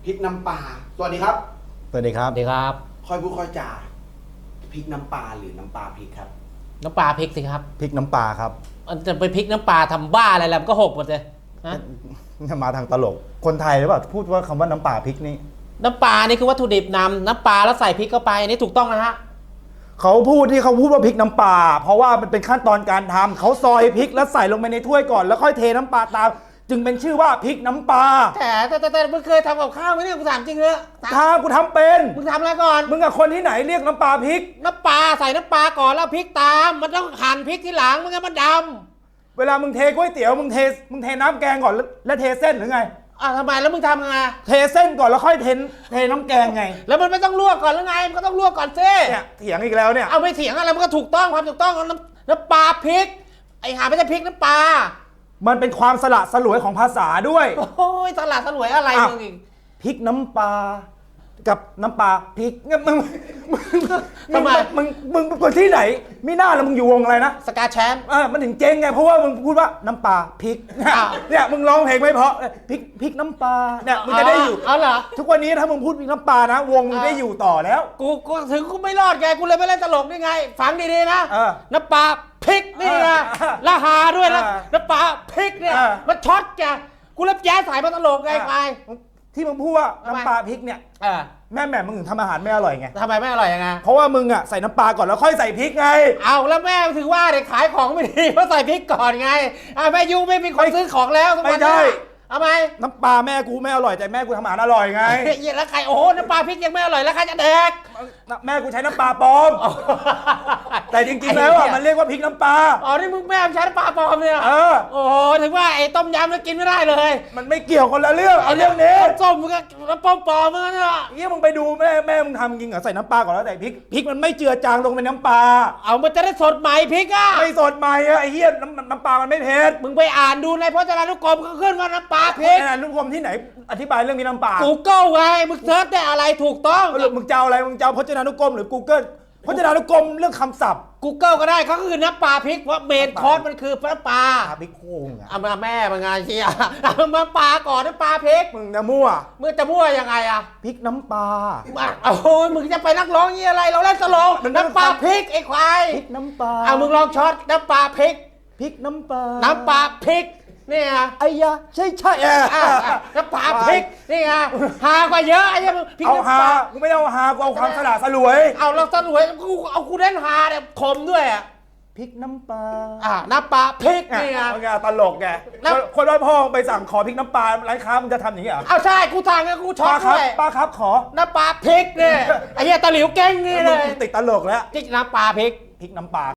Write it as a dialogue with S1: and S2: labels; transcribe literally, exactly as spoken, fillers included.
S1: พริกน้ำปลาสวัสดีครับ
S2: สวัสดีครับ
S3: สวัสดีครับ
S1: ค่อยพูดค่อยจาพริกน้ำปลาหรือน้ำปลาพริกครับ
S3: น้ำปลาพริกสิครับ
S2: พริกน้ำปลาครับ
S3: มันจะไปพริกน้ำปลาทำบ้าอะไรแล้วมันก็หกหมดเลยฮะ
S2: จะมาทางตลกคนไทยหรือเปล่าพูดว่าคำว่าน้ำปลาพริกนี่
S3: น้ำปลานี่คือวัตถุดิบนำน้ำปลาแล้วใส่พริกเข้าไปนี่ถูกต้องนะฮะ
S2: เขาพูดที่เขาพูดว่าพริกน้ำปลาเพราะว่ามันเป็นขั้นตอนการทำเขาซอยพริกแล้วใส่ลงไปในถ้วยก่อนแล้วค่อยเทน้ำปลาตามจึงเป็นชื่อว่าพริกน้ำปลา
S3: แต่แต่แต่แต่มึงเคยทำกับข้าวไหมเนี่ยกูถามจริงเหรอ
S2: ทำกูทำเป็น
S3: มึงทำอะไรก่อน
S2: มึงกับคนที่ไหนเรียกน้ำปลาพริก
S3: น้ำปลาใส่น้ำปลาก่อนแล้วพริกตามมันต้องหั่นพริกทีหลังมันก็มันด
S2: ำเวลามึงเทก๋วยเตี๋ยวมึงเทมึงเทน้ำแกงก่อนแล้วเทเส้นหรือไง
S3: อ่ะทำไมแล้วมึงทำไง
S2: เทเส้นก่อนแล้วค่อยเทเทน้ำแกงไง
S3: แล้วมันไม่ต้องลวกก่อนหรือไงมันก็ต้องลวกก่อนซิ
S2: เนี่ยเถียงอีกแล้วเนี่ย
S3: เอาไปเถียงอะไรมันก็ถูกต้องความถูกต้องน้ำน้ำปลาพริกไอ้หาไม่ใช่พริกน้ำปลา
S2: มันเป็นความสละสลวยของภาษาด้วย
S3: โอ้ยสละสลวยอะไรมึงอีก
S2: พริกน้ำปลากับน้ำปลาพริกมึงมึงมึงมึงมึงคนที่ไหนไม่น่าแล้วมึงอยู่วงอะไรนะ
S3: สกาแชมป์
S2: เออมันถึงเจ๊งไงเพราะว่ามึงพูดว่าน้ำปลาพริกเนี่ยมึงร้องเพลงไม่เพราะพริกพริกน้ำปลาเนี่ยมึงจะได้อยู่
S3: เอาเหรอ
S2: ทุกวันนี้ถ้ามึงพูดพริกน้ำปลานะวงมึงได้อยู่ต่อแล้ว
S3: กูกูถึงกูไม่รอดไงกูเลยไม่เล่นตลกได้ไงฟังดีๆนะน้ำปลาพริกนี่ไงละหาด้วยนะน้ำปลาพริกเนี่ยมันช็อตแกกูเล่นแจ๊สสายมาตลกไงไป
S2: ที่มึงพูดว่าน้ำปลาพริกเนี่ยแม่แม่มึงถึงทำอาหารไม่อร่อยไง
S3: ทำไมไม่อร่อยยังไง
S2: เพราะว่ามึงอ่ะใส่น้ำปลาก่อนแล้วค่อยใส่พริกไง
S3: เอาแล้วแม่ถือว่าเด็กขายของไม่ดีเพราะใส่พริกก่อนไงอ่าแม่ยูไม่มีคนซื้อของแล้ว
S2: ไม่ใช่
S3: ทำไม
S2: น้ำปลาแม่กูไม่อร่อยแต่แม่กูทำอาหารอร่อยไง
S3: แล้วใครโอ้น้ำปลาพริกยังไม่อร่อยแล้วใครจะแดก
S2: แม่กูใช้น้ำปลาปลอมแต่จริงๆแล้วอ่ะมันเรียกว่าพริกน้ำปลา
S3: อ๋อนี่มึงแม่ใช้น้ำปลาปลอมเนี่ย
S2: เออ
S3: โอ้โหถึงว่าไอ้ต้มยำแล้วกินไม่ได้เลย
S2: มันไม่เกี่ยวคนละเรื่องเอาเรื่องนี้
S3: ส้มมึงก็น้ำปลอมปลอมมึงน่ะ
S2: เยี่ยมึงไปดูแม่แม่มึงทำจริงเหรอใส่น้ำปลาก่อนแล้วแต่พริกพริกมันไม่เจือจางลงเป็นน้ำปลา
S3: เอามันจะได้สดใหม่พริกอ่ะ
S2: ไม่สดใหม่อะไอ้เหี้ยน้ำน้ำปลามันไม่เผ็ด
S3: มึงไปอ่านดูในพจนานุกรมก็ขึ้นว่าน้ำปลาพริก
S2: พจนานุกรมที่ไหนอธิบายเรื่องมีน้ำปลา
S3: Google ไงมึงเซิร์ชได้อะไรถูกต้อง
S2: หรือมึงจะเอาอะไรมึงจะเอาพจนานุกรมหรือ Google พจนานุกรมเรื่องคำศัพท์
S3: Google ก็ได้เขาคือน้ำปลาพริกว่าเมนคอร์สมันคือน้ำปลา
S2: พริกโค้งอ่ะ
S3: เอามาแม่มึงไงเชียเอามาปลาก่อนน้ำปลาพริก
S2: มึงจะมั่ว
S3: มึงจะมั่วยังไงอะ
S2: พริกน้ำปลา
S3: โอ้ยมึงจะไปนักร้องยี่อะไรเราเล่นตลกน้ำปลาพริกไอ้ควาย
S2: พริกน้ำปลา
S3: เอามึงลองช็อตน้ำปลาพริก
S2: พริกน้ำปลา
S3: น้ำปลาพริกนี่ไง
S2: ไอ้ยาใช่ใช่
S3: น้ำปลาพริกนี่ไงหากว่าเยอะไอ้ยัง
S2: พริกน้ำปลากูไม่เอาหากูเอาความสละสลวย
S3: เอาเราสลวยกูเอากูเล่นหาเนี่ยคมด้วยอ่ะ
S2: พริกน้ำปลา
S3: อ่าน้ำปลาพริกนี่ไง
S2: โอเคตลกแกคนว่าพ่อไปสั่งขอพริกน้ำปลาร้านค้ามึงจะทำอย่างนี้เหรอ
S3: เอาใช่กูทางงั้นกูช็อตด้วย
S2: ป้าครับขอ
S3: น้ำปลาพริกเนี่ยไอ้เหี้ยตะหลิวเก้งนี่เลย
S2: ติดตลกแล้ว
S3: พริกน้ำปลาพริก
S2: พริกน้ำปลา